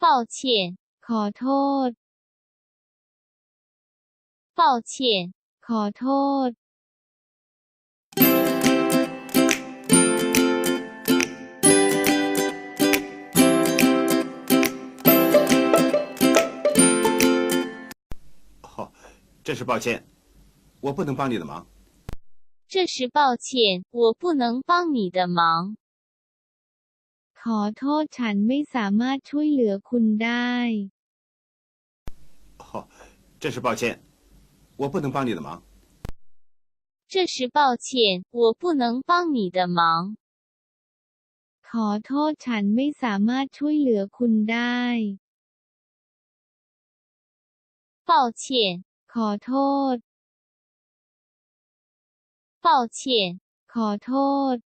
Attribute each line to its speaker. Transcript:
Speaker 1: 抱歉
Speaker 2: ขอโทษ
Speaker 1: 抱歉
Speaker 2: ขอโทษ
Speaker 3: 哦，真是抱歉，我不能帮你的忙。
Speaker 1: 这是抱歉，我不能帮你的忙。
Speaker 2: ขอโทษฉันไม่สามารถช่วยเหลือคุณได้
Speaker 3: 哦，真是抱歉，我不能帮你的忙。
Speaker 1: 这是抱歉，我不能帮你的忙。
Speaker 2: ขอโทษฉันไม่สามารถช่วยเหลือคุณได้
Speaker 1: 抱歉
Speaker 2: ขอโทษ
Speaker 1: 抱歉
Speaker 2: ขอโทษ